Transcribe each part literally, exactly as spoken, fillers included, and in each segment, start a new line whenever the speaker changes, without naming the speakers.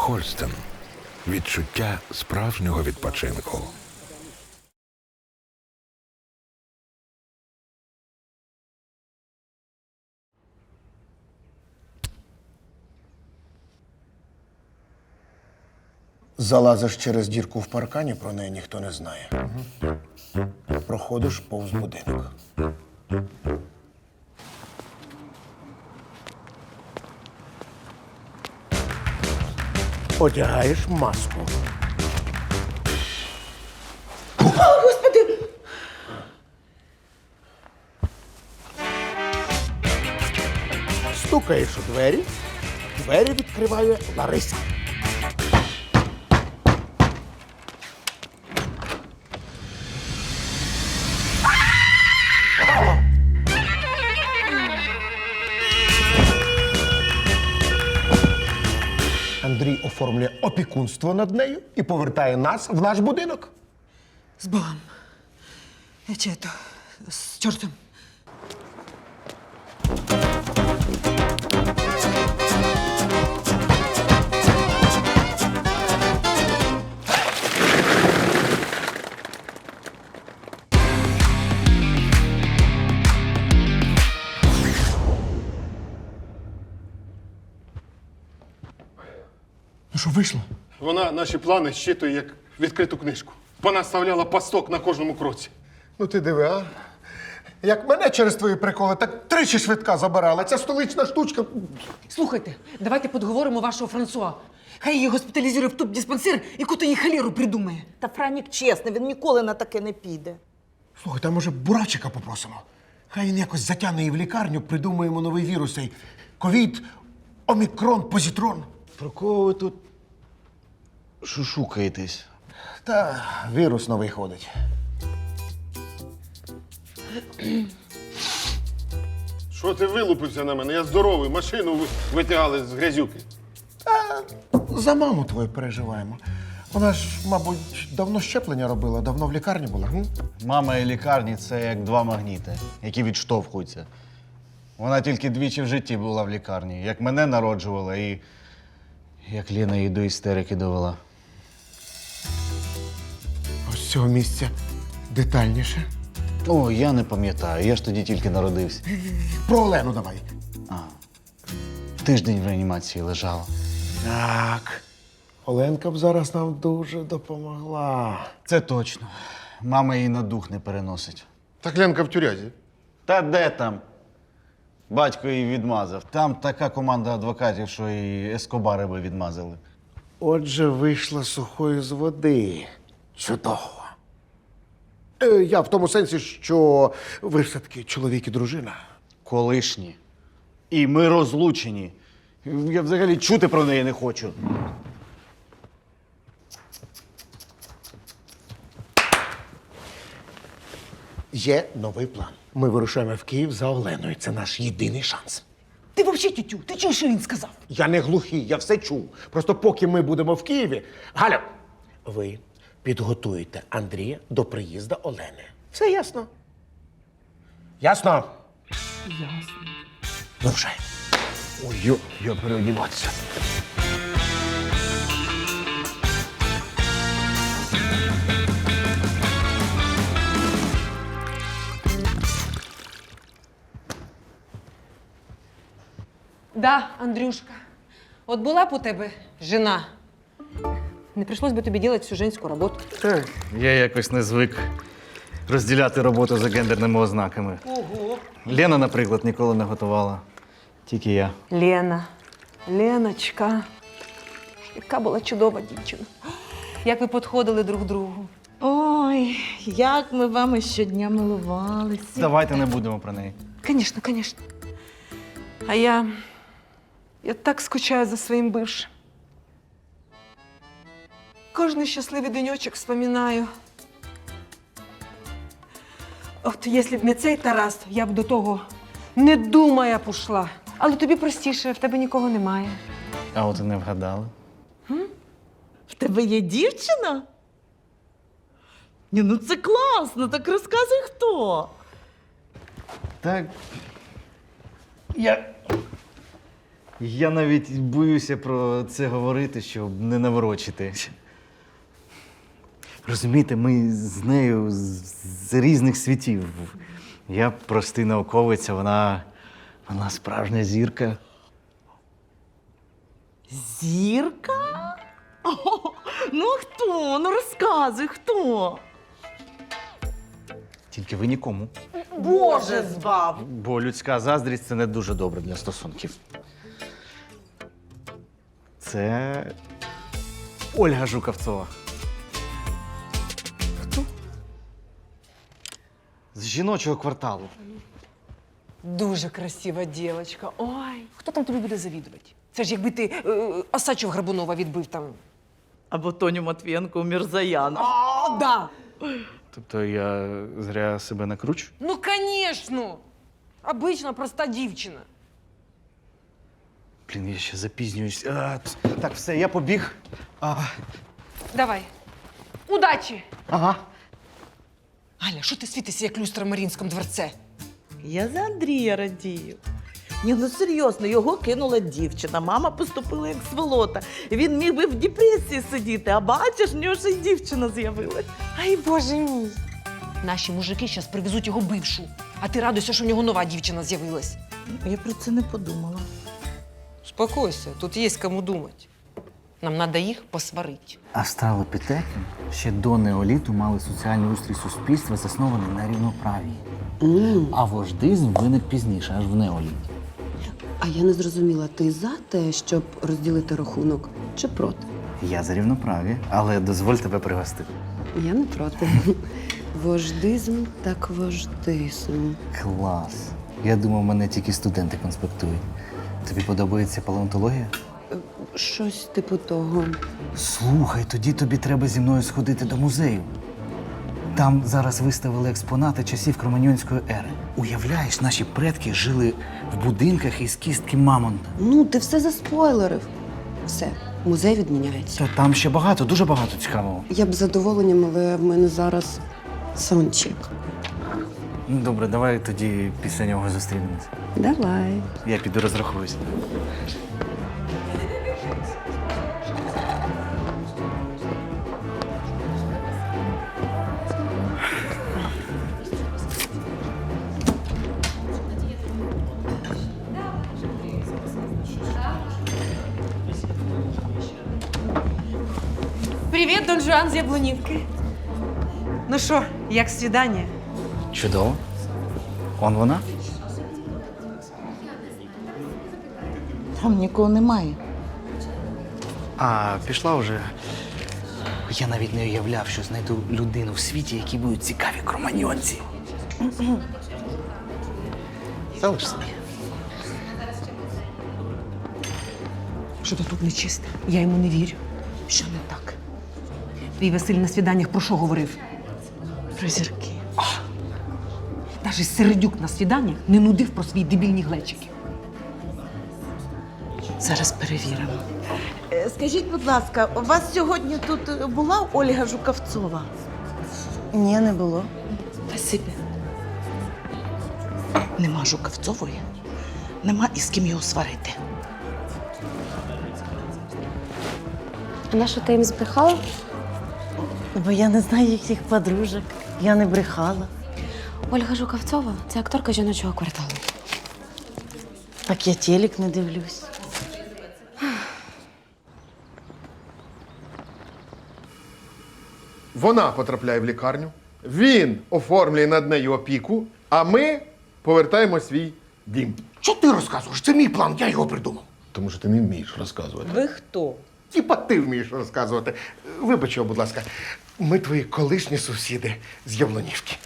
Хольстен. Відчуття справжнього відпочинку.
Залазиш через дірку в паркані, про неї ніхто не знає. Проходиш повз будинок. Одягаєш маску.
Господи!
Стукаєш у двері, двері відкриває Лариса. Андрій оформлює опікунство над нею і повертає нас в наш будинок.
З Богом. Чи то з чортом.
Ну що, вийшло?
Вона наші плани щитує як відкриту книжку. Вона ставляла пасток на кожному кроці.
Ну ти диви, а? Як мене через твої приколи, так тричі швидка забирала. Ця столична штучка.
Слухайте, давайте подговоримо вашого Франсуа. Хай її госпіталізує в туб-диспансер і куди їй халіру придумає.
Та Франік чесний, він ніколи на таке не піде.
Слухай, там може Бурачика попросимо. Хай він якось затягне її в лікарню, придумаємо новий вірус. цей Ковід, омікрон, позитрон.
Про кого ви тут шушукаєтесь?
Та вірус новий ходить.
Що ти вилупився на мене? Я здоровий, машину ви- витягали з грязюки.
За маму твою переживаємо. Вона ж, мабуть, давно щеплення робила, давно в лікарні була. М?
Мама і лікарні це як два магніти, які відштовхуються. Вона тільки двічі в житті була в лікарні. Як мене народжувала і як Ліна її до істерики довела.
Ось з цього місця детальніше.
О, я не пам'ятаю, я ж тоді тільки народився.
Про Олену давай.
Тиждень в реанімації лежала.
Так. Оленка б зараз нам дуже допомогла.
Це точно. Мама її на дух не переносить.
Так Ленка в тюрязі.
Та де там? Батько її відмазав. Там така команда адвокатів, що і ескобари би відмазали.
Отже, вийшла сухою з води. Чудово. Е, я в тому сенсі, що ви ж все-таки чоловік і дружина.
Колишні. І ми розлучені. Я взагалі чути про неї не хочу.
Є новий план. Ми вирушаємо в Київ за Оленою. Це наш єдиний шанс.
Ти взагалі, тютю, ти чуєш, що він сказав?
Я не глухий, я все чув. Просто поки ми будемо в Києві. Галя, ви підготуєте Андрія до приїзду Олени. Все ясно? Ясно?
Ясно.
Вирушаємо. Ой, йо, я переодіватися.
Да, Андрюшка. От була б у тебе жена. Не прийшлось би тобі робити всю женську роботу.
Я якось не звик розділяти роботу за гендерними ознаками.
Ого.
Лена, наприклад, ніколи не готувала. Тільки я.
Лена. Леночка. Яка була чудова дівчина. Як ви підходили друг другу.
Ой, як ми вами щодня милувалися.
Давайте не будемо про неї.
Звісно, звісно. А я. Я так скучаю за своїм бившим. Кожний щасливий денечок вспоминаю. От якщо б не цей Тарас, я б до того не думая б ушла. Але тобі простіше, в тебе нікого немає.
А от і не вгадали.
В тебе є дівчина? Ні, ну це класно, так розказуй хто.
Так. Я Я навіть боюся про це говорити, щоб не наворочити. Розумієте, ми з нею з, з різних світів. Я простий науковець, а вона, вона справжня зірка.
Зірка? О, ну а хто? Ну розказуй, хто?
Тільки ви нікому.
Боже збав!
Бо людська заздрість це не дуже добре для стосунків. Це Ольга Жукавцова. Хто? З жіночого кварталу.
Дуже красива дівчинка. Ой, хто там тобі буде завідувати? Це ж якби ти е, Осадчого Грабунова відбив там.
Або Тоню Матвієнко у Мірзаяна.
О, да!
Тобто я зря себе накручу?
Ну, звісно! Обична проста дівчина.
Блін, я ще запізнююсь. А, ц- так, все, я побіг. А,
Давай. Удачі!
ага.
Галя, що ти світишся, як люстра в Марінському дворце?
Я за Андрія радію. Ні, ну серйозно, його кинула дівчина. Мама поступила як сволота. Він міг би в депресії сидіти, а бачиш, в нього ще й дівчина з'явилась.
Ай, боже мій! Наші мужики зараз привезуть його бившу, а ти радуйся, що в нього нова дівчина з'явилась.
Я про це не подумала.
Успокойся, тут є кому думати. Нам треба їх посварити.
Австралопітеки ще до неоліту мали соціальний устрій суспільства, заснований на рівноправії. А вождизм виник пізніше, аж в неоліті.
А я не зрозуміла, ти за те, щоб розділити рахунок, чи проти?
Я за рівноправі, але дозволь тебе пригостити.
Я не проти. Вождизм так вождизм.
Клас. Я думав, мене тільки студенти конспектують. Тобі подобається палеонтологія?
Щось типу того.
Слухай, тоді тобі треба зі мною сходити до музею. Там зараз виставили експонати часів Кроманьонської ери. Уявляєш, наші предки жили в будинках із кістки мамонта.
Ну, ти все заспойлерив. Все, музей відміняється.
Та там ще багато, дуже багато цікавого.
Я б з задоволенням, але в мене зараз саундчек.
Ну, добре, давай тоді після нього зустрінемось.
Давай.
Я піду розрахуюсь.
Привіт, Дон Жуан з Яблунівки. Ну що, як свідання?
Чудово. Он вона?
Там нікого немає.
А, пішла вже. Я навіть не уявляв, що знайду людину в світі, які будуть цікаві кроманьонці. Залиш собі.
Що то тут нечисте? Я йому не вірю. Що не так? Твій Василь на свіданнях про що говорив?
Про зірки.
Навіть Середюк на свіданнях не нудив про свої дебільні глечики.
Зараз перевіримо. Е, Скажіть, будь ласка, у вас сьогодні тут була Ольга Жукавцова?
Ні, не було.
Спасибі. Нема Жукавцової, нема із ким його сварити.
А на що ти їм збрехала?
Бо я не знаю їхніх подружок. Я не брехала.
Ольга Жукавцова – це акторка жіночого кварталу.
Так я телек не дивлюсь.
Вона потрапляє в лікарню, він оформлює над нею опіку, а ми повертаємо свій дім.
Що ти розказуєш? Це мій план, я його придумав.
Тому що ти не вмієш розказувати.
Ви хто?
Тіпа ти вмієш розказувати. Вибач його, будь ласка. Ми твої колишні сусіди з Яблунівки.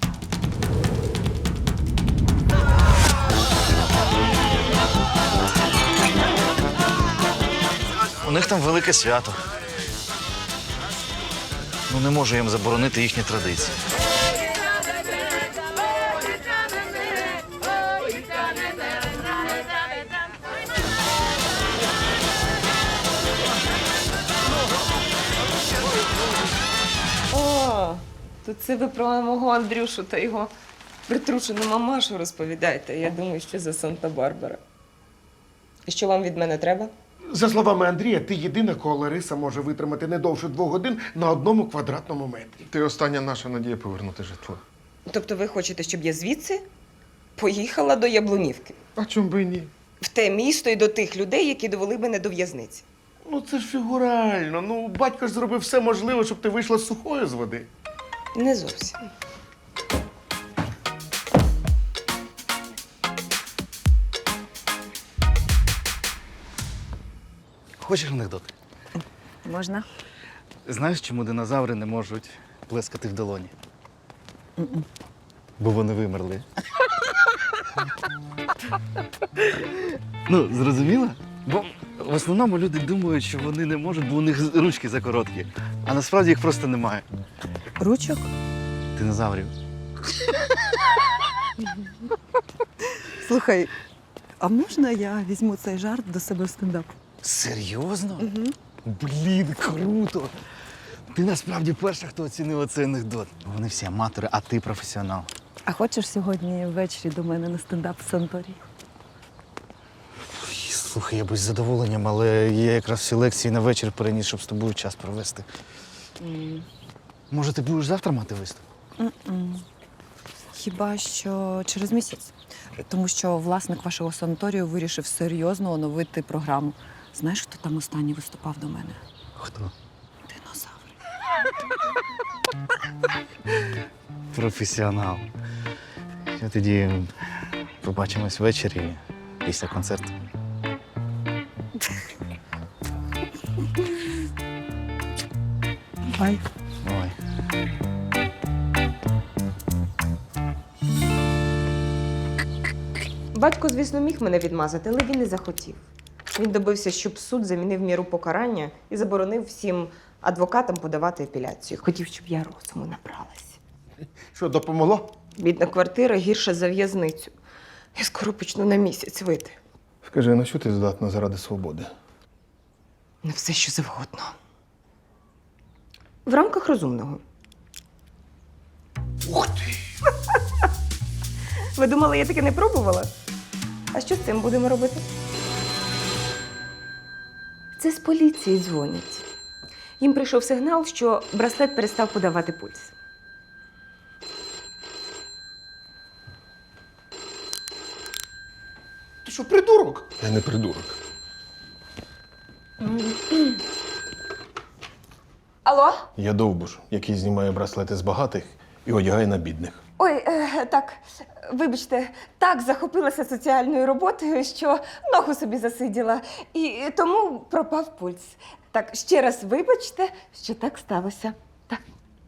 У них там велике свято. Ну, не можу їм заборонити їхні традиції.
О, то це ви про мого Андрюшу та його притрушену мамашу розповідаєте. Я думаю, що за Санта-Барбара. І що вам від мене треба?
За словами Андрія, ти єдина, кого Лариса може витримати не довше двох годин на одному квадратному метрі.
Ти остання наша надія повернути житло.
Тобто ви хочете, щоб я звідси поїхала до Яблунівки?
А чому би і ні?
В те місто і до тих людей, які довели мене до в'язниці.
Ну це ж фігурально. Ну, батько ж зробив все можливе, щоб ти вийшла сухою з води.
Не зовсім.
Хочеш анекдот?
Можна?
Знаєш, чому динозаври не можуть плескати в долоні? Бо вони вимерли. Ну, зрозуміла? Бо в основному люди думають, що вони не можуть, бо у них ручки закороткі. А насправді їх просто немає.
Ручок?
Динозаврів.
Слухай, а можна я візьму цей жарт до себе в стендап?
Серйозно? Угу. Блін, круто! Ти насправді перша, хто оцінив цей анекдот. Вони всі аматори, а ти професіонал.
А хочеш сьогодні ввечері до мене на стендап в санаторії?
Слухай, я би з задоволенням, але я якраз всі лекції на вечір переніс, щоб з тобою час провести.
Mm.
Може, ти будеш завтра мати виступ?
Mm-mm. Хіба що через місяць. Тому що власник вашого санаторію вирішив серйозно оновити програму. Знаєш, хто там останній виступав до мене?
Хто?
Динозавр.
Професіонал. Я тоді побачимось ввечері після концерту.
Бай.
Ой.
Батько, звісно, міг мене відмазати, але він не захотів. Він добився, щоб суд замінив міру покарання і заборонив всім адвокатам подавати апеляцію. Хотів, щоб я розуму набралась.
Що, допомогло?
Бідна квартира гірша за в'язницю. Я скоро почну на місяць вийти.
Скажи, на що ти здатна заради свободи?
На все, що завгодно. В рамках розумного.
Ух ти!
Ви думали, я таке не пробувала? А що з цим будемо робити? Це з поліції дзвонять. Їм прийшов сигнал, що браслет перестав подавати пульс.
Ти що, придурок?
Я не придурок.
Алло?
Я довбуш, який знімає браслети з багатих і одягає на бідних.
Ой, е, так, вибачте, так захопилася соціальною роботою, що ногу собі засиділа, і тому пропав пульс. Так, ще раз вибачте, що так сталося. Так.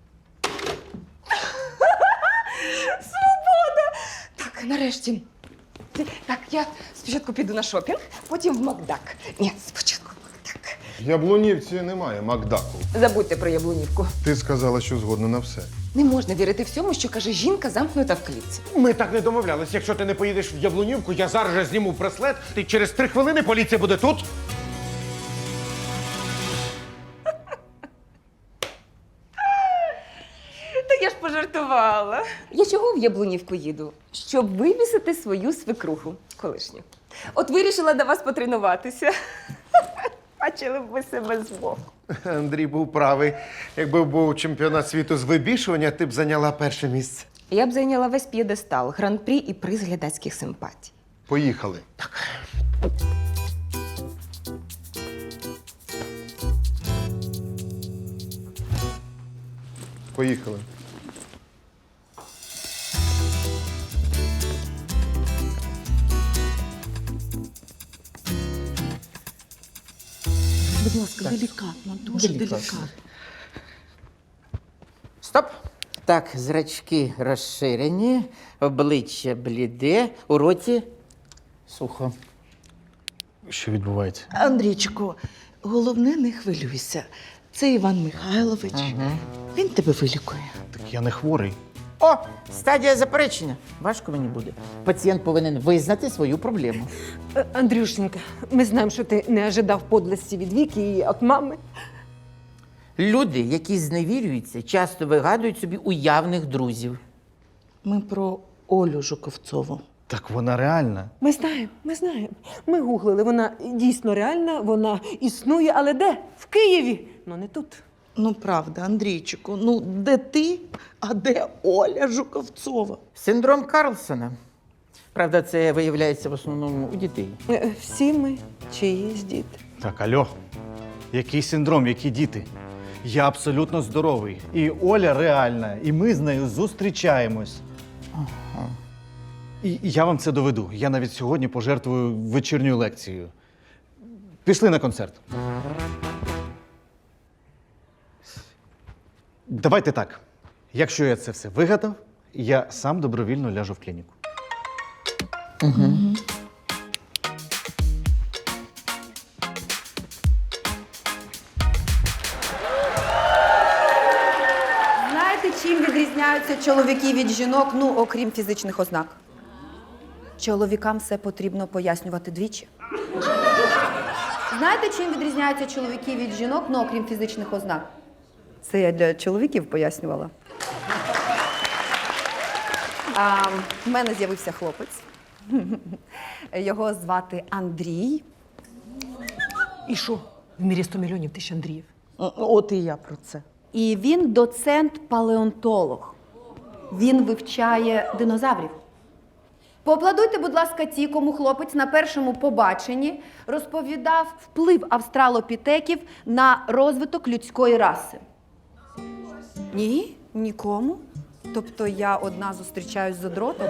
Свобода! Так, нарешті. Так, я спочатку піду на шопінг, потім в Макдак. Ні, спочатку в Макдак.
В Яблунівці немає Макдаку.
Забудьте про Яблунівку.
Ти сказала, що згодна на все.
Не можна вірити всьому, що каже жінка, замкнута в клітці.
Ми так не домовлялись. Якщо ти не поїдеш в Яблунівку, я зараз же зніму браслет, і через три хвилини поліція буде тут.
Та я ж пожартувала. Я чого в Яблунівку їду? Щоб вивісити свою свекруху колишню. От вирішила до вас потренуватися. Бачили б ви себе збоку.
Андрій був правий. Якби був чемпіонат світу з вибішування, ти б зайняла перше місце.
Я б зайняла весь п'єдестал, гран-прі і приз глядацьких симпатій.
Поїхали. Поїхали.
Будь ласка, делікатно, дуже делікатно.
Стоп! Так, зрачки розширені, обличчя бліде, у роті сухо.
Що відбувається?
Андрійчику, головне, не хвилюйся. Це Іван Михайлович. Він тебе вилікує.
Так я не хворий.
О, стадія заперечення. Важко мені буде. Пацієнт повинен визнати свою проблему.
Е, Андрюшенька, ми знаємо, що ти не ожидав подлості від Віки і від мами.
Люди, які зневірюються, часто вигадують собі уявних друзів.
Ми про Олю Жуковцову.
Так вона реальна.
Ми знаємо, ми знаємо. Ми гуглили, вона дійсно реальна, вона існує, але де? В Києві, ну не тут.
Ну, правда, Андрійчику, ну де ти, а де Оля Жуковцова?
Синдром Карлсона. Правда, це виявляється в основному у дітей.
Е, Всі ми чиїсь діти.
Так, альо. Який синдром, які діти? Я абсолютно здоровий. І Оля реальна, і ми з нею зустрічаємось.
Ага.
І і я вам це доведу. Я навіть сьогодні пожертвую вечірньою лекцією. Пішли на концерт. Давайте так. Якщо я це все вигадав, я сам добровільно ляжу в клініку.
Угу.
Знаєте, чим відрізняються чоловіки від жінок, ну, окрім фізичних ознак? Чоловікам все потрібно пояснювати двічі. Знаєте, чим відрізняються чоловіки від жінок, ну, окрім фізичних ознак? Це я для чоловіків пояснювала. А, в мене з'явився хлопець. Його звати Андрій.
І що? В мірі сто мільйонів тисяч Андріїв.
От і я про це.
І він доцент-палеонтолог. Він вивчає динозаврів. Поаплодуйте, будь ласка, ті, кому хлопець на першому побаченні розповідав вплив австралопітеків на розвиток людської раси. Ні, нікому. Тобто я одна зустрічаюсь з задротом.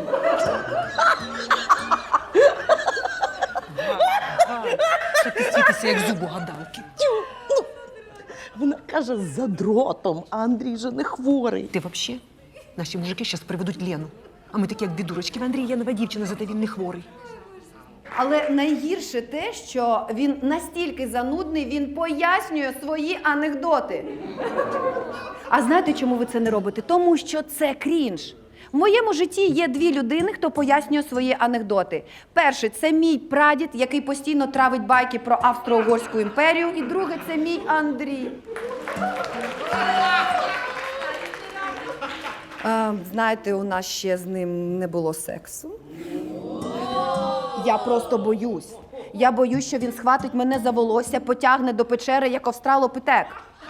Та ти світися, як зуб у гадалки.
Вона каже за дротом, а Андрій же не хворий.
Ти взагалі? Наші мужики зараз приведуть Лену. А ми такі, як дві дурочки. В Андрій є нова дівчина, зате він не хворий.
Але найгірше те, що він настільки занудний, він пояснює свої анекдоти. А знаєте, чому ви це не робите? Тому що це крінж. В моєму житті є дві людини, хто пояснює свої анекдоти. Перший – це мій прадід, який постійно травить байки про Австро-Угорську імперію. І другий – це мій Андрій. Е, знаєте, у нас ще з ним не було сексу. Я просто боюсь. Я боюсь, що він схватить мене за волосся, потягне до печери, як австралопітек.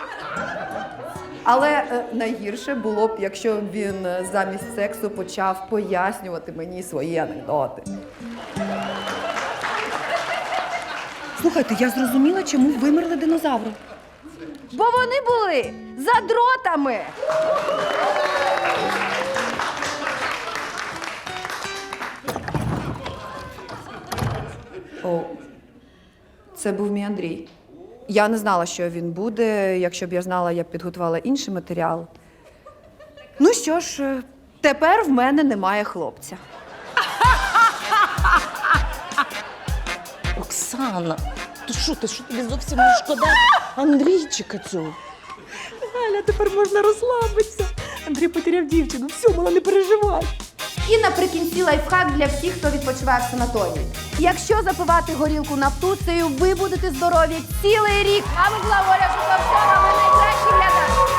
Але е, найгірше було б, якщо б він е, замість сексу почав пояснювати мені свої анекдоти. Слухайте, я зрозуміла, чому вимерли динозаври. Бо вони були за дротами. О, це був мій Андрій. Я не знала, що він буде. Якщо б я знала, я б підготувала інший матеріал. Ну що ж, тепер в мене немає хлопця.
Оксана, то що ти, що тобі зовсім не шкода Андрійчика цього?
Галя, тепер можна розслабитися. Андрій потеряв дівчину. Все, мала, не переживай.
І наприкінці лайфхак для всіх, хто відпочиває в санаторії. Якщо запивати горілку нафтуцею, ви будете здорові цілий рік. А ми була Оля Жуковцова, ви найкращі глядачі.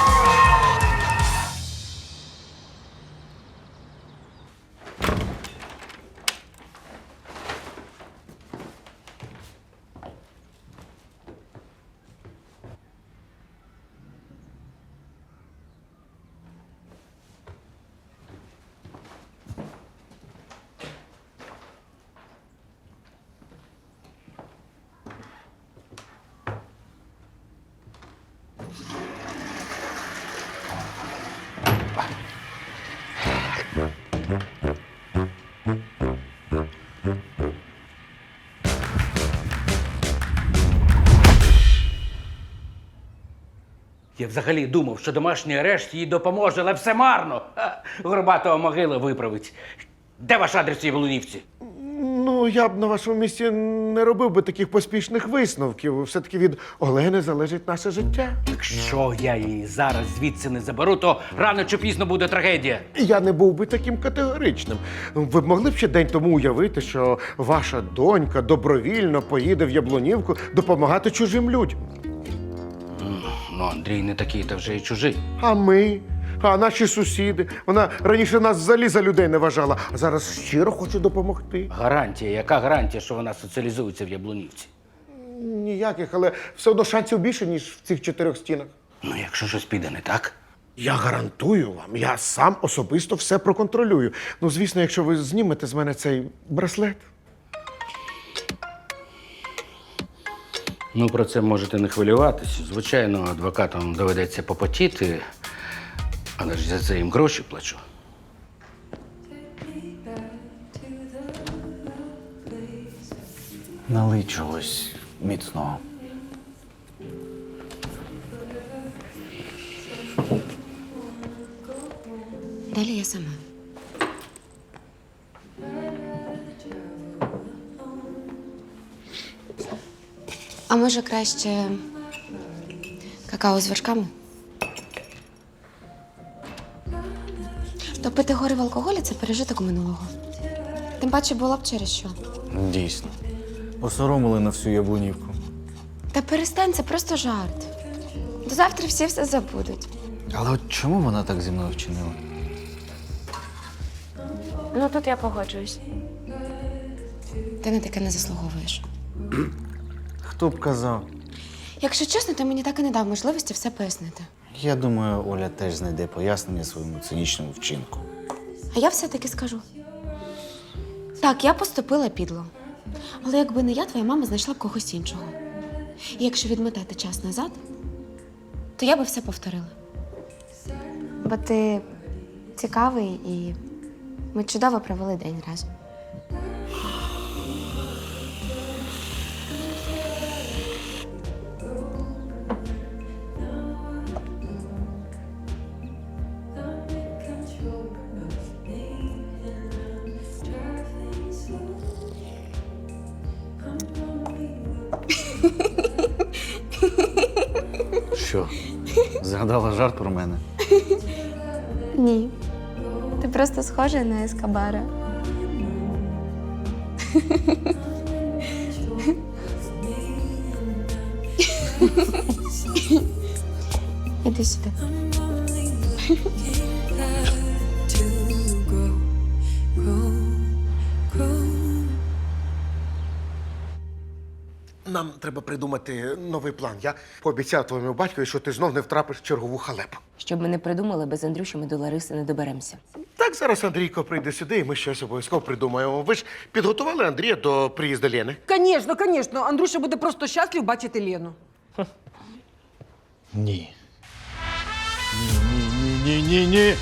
Я взагалі думав, що домашній арешт їй допоможе, але все марно. Ха, Горбатого могила виправить. Де ваш адрес цій Волунівці?
Ну, я б на вашому місці не робив би таких поспішних висновків. Все-таки від Олени залежить наше життя.
Якщо я її зараз звідси не заберу, то рано чи пізно буде трагедія.
Я не був би таким категоричним. Ви б могли б ще день тому уявити, що ваша донька добровільно поїде в Яблунівку допомагати чужим людям.
Ну, Андрій не такий, та вже й чужий.
А ми? А наші сусіди, вона раніше нас взагалі за людей не вважала, а зараз щиро хоче допомогти.
Гарантія. Яка гарантія, що вона соціалізується в Яблунівці?
Ніяких, але все одно шансів більше, ніж в цих чотирьох стінах.
Ну, якщо щось піде не так.
Я гарантую вам, я сам особисто все проконтролюю. Ну, звісно, якщо ви знімете з мене цей браслет.
Ну, про це можете не хвилюватись. Звичайно, адвокатам доведеться попотіти, але ж за це їм гроші плачу.
Налий чогось міцного.
Далі я сама. А може краще какао з вершками? Топити гори в алкоголі – це пережиток минулого. Тим паче було б через що.
Дійсно. Посоромили на всю Яблунівку.
Та перестань, це просто жарт. До завтра всі все забудуть.
Але от чому вона так зі мною вчинила?
Ну, тут я погоджуюсь. Ти на таке не заслуговуєш.
Хто б казав?
Якщо чесно, ти мені так і не дав можливості все пояснити.
Я думаю, Оля теж знайде пояснення своєму цинічному вчинку.
А я все-таки скажу. Так, я поступила підло. Але якби не я, твоя мама знайшла б когось іншого. І якщо відмотати час назад, то я би все повторила. Бо ти цікавий і ми чудово провели день разом.
Що? Згадала жарт про мене?
Ні. Ти просто схожа на Ескобара. Іди сюди.
Нам треба придумати новий план. Я пообіцяв твоєму батькові, що ти знов не втрапиш в чергову халепу.
Щоб ми не придумали, без Андрюші ми до Лариси не доберемося.
Так, зараз Андрійко прийде сюди, і ми щось обов'язково придумаємо. Ви ж підготували Андрія до приїзду Лени?
Звісно, звісно. Андрюша буде просто щаслив бачити Лену.
Ні. Ні-ні-ні-ні-ні.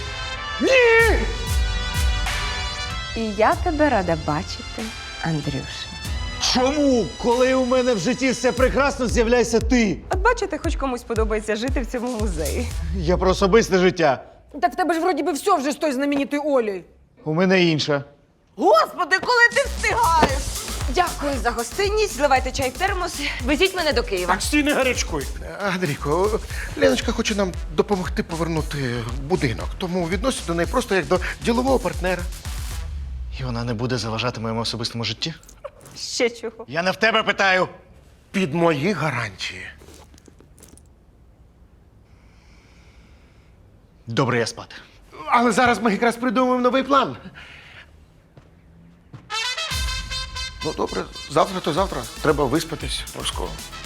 І я тебе рада бачити, Андрюша.
Чому? Коли у мене в житті все прекрасно, з'являйся ти.
От бачите, хоч комусь подобається жити в цьому музеї.
Я про особисте життя.
Так в тебе ж вроді би все вже з тою знаменитою Олею.
У мене інша.
Господи, коли ти встигаєш?
Дякую за гостинність. Зливайте чай в термос. Везіть мене до Києва.
Так, стій, не гарячкуй. Андрійко, Леночка хоче нам допомогти повернути будинок, тому відносять до неї просто як до ділового партнера.
І вона не буде заважати моєму особистому житті?
Ще чого?
Я не в тебе питаю.
Під мої гарантії.
Добре, я спати.
Але зараз ми якраз придумаємо новий план. Ну, добре, завтра то завтра. Треба виспатись обов'язково.